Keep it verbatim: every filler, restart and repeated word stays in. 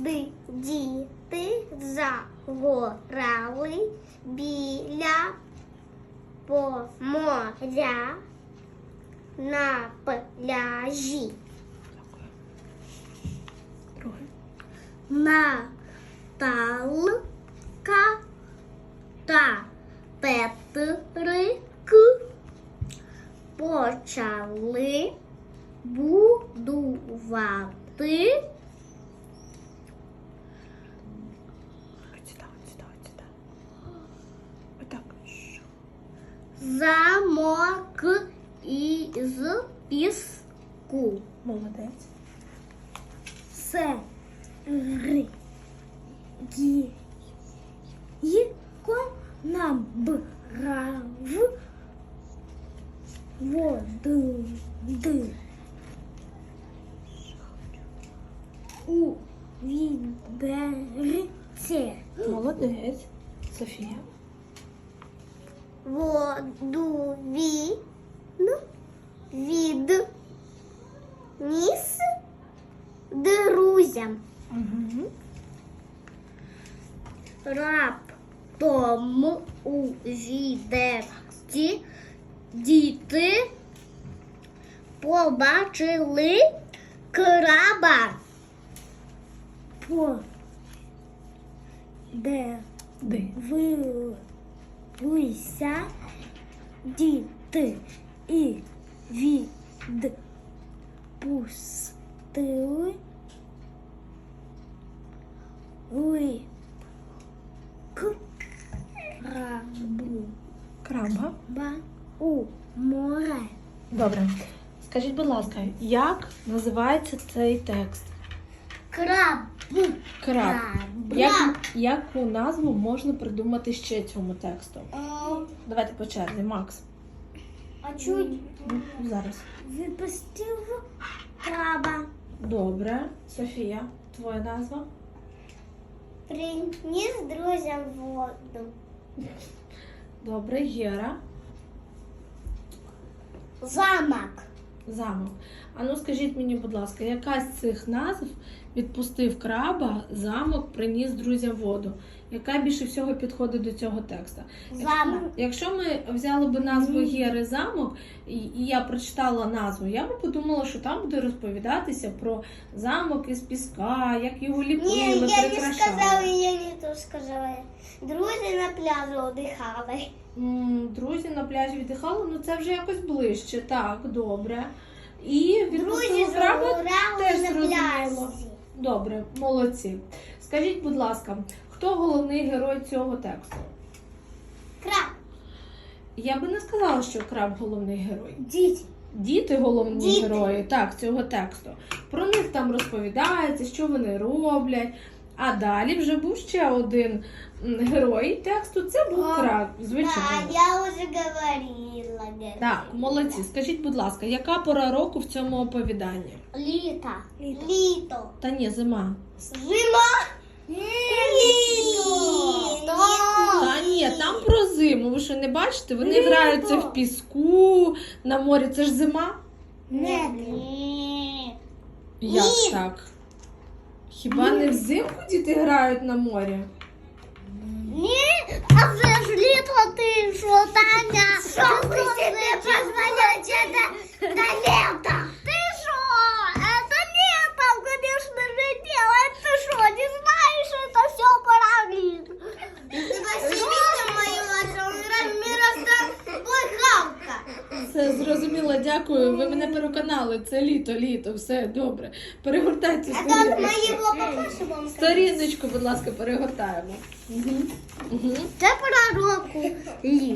Ди, діти загорали біля моря на пляжі. Наталка та Петрик почали будувати Сюда, сюда, сюда. Вот так. замок із піску. Молодець. Сергійко набрав води у відерці. Молодець. Софія. Воду він відніс друзям. Угу. Раптом у відерці діти побачили краба. Подивилися діти і відпустили крабу Краба. у море. Добре. Скажіть, будь ласка, як називається цей текст? Краб. Краб. Краб. Як, яку назву можна придумати ще цьому тексту? А, Давайте по черзі. Макс. а чуть Ну, зараз. випустив краба. Добре. Софія, твоя назва? Приніс друзям воду. Добре. Гера. Замок. Замок. А ну скажіть мені, будь ласка, яка з цих назв відпустив краба, замок, приніс друзям воду? Яка більше всього підходить до цього текста? Замок. Якщо ми взяли б назву Гери замок, і і я прочитала назву, я б подумала, що там буде розповідатися про замок із піска, як його ліпили, Ні, я не прикрашали. сказала, я не то сказала. Друзі на пляжі одихали. М, Друзі на пляжі віддихали, ну це вже якось ближче, так, добре. І Друзі відпустили краба, загорали теж на зрозуміло. пляжі. Добре, молодці. Скажіть, будь ласка, хто головний герой цього тексту? Краб. Я би не сказала, що краб головний герой. Діти. Діти головні Діти. герої, так, цього тексту. Про них там розповідається, що вони роблять. А далі вже був ще один м, герой тексту, це був А, краб, Да, звичайно. я уже говорила. Так, молодці. Скажіть, будь ласка, яка пора року в цьому оповіданні? Літо. Літо. Та ні, зима. Зима. Літо. Та ні, там про зиму. Ви що не бачите? Вони Літо. граються в піску, на морі. Це ж зима? Ні. Як Ні. так? Хіба не взимку діти грають на морі? Ні, а вже ж літо ти що, Таня? Що ви себе позволяєте до, до літа? Ти що? Это летом, конечно же, делать. Ты что, не знаешь, это все пора лета. Ты вообще видел мою мать? Он размера с тобой хавка. Все зрозуміло, дякую. Ви мене переконали. Це літо, літо, все добре. Перегортайте А то от сторіночку. моего папаши вам Сторіночку, будь ласка, перегортаємо. Угу. Угу. Це пора року літа.